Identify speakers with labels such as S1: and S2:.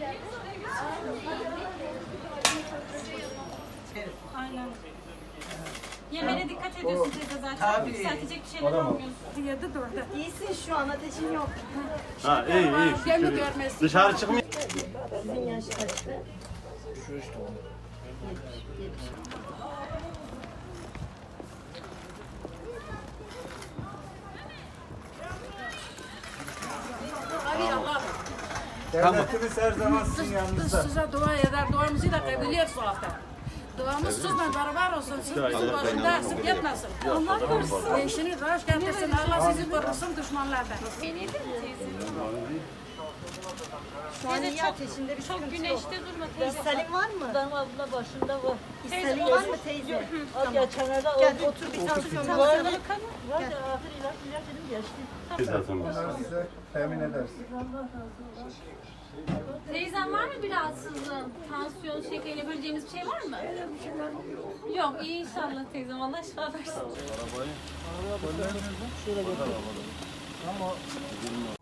S1: Aynen. Yemeğine dikkat ediyorsun teyze zaten.
S2: Tabii.
S1: Yükseltecek bir şeyler almıyorsun.
S3: Yedi de orada.
S4: İyisin şu an, ateşin yok.
S5: Ha iyi iyi.
S3: Gemi
S5: Şükür.
S3: görmesi.
S5: Dışarı çıkmıyor.
S4: Sizin yaş kaçtı?
S2: Şu işte o.
S3: Abi Allah.
S2: Devletimiz her zaman sizin yanınızda.
S3: Size dua eder. Duamızı da kabul et bu hafta. Duamız sizle beraber olsun. Siz bizim başında eksik etmesin.
S1: Allah korusun.
S3: Eşini rahat getirsin. Allah sizi korusun düşmanlardan.
S4: Şu an
S1: Teyze
S4: iyi
S1: çok,
S4: ateşinde bir
S1: çok
S4: sıkıntı yok.
S1: güneşte durma teyze.
S4: İshalim var mı?
S6: Dam abla başında var.
S4: İshalim var mı teyze?
S6: Az geçenlerde
S4: Gel
S6: oldu.
S4: otur bir tansiyon
S6: Var
S4: bakalım.
S6: var ya ahir ilaç dedim geçti.
S2: Bunları size temin ederiz.
S1: Teyzem var mı bir rahatsızlığın? Tansiyon, şeker yapabileceğimiz bir şey var mı? Yok, iyi inşallah teyzem. Allah şifa versin.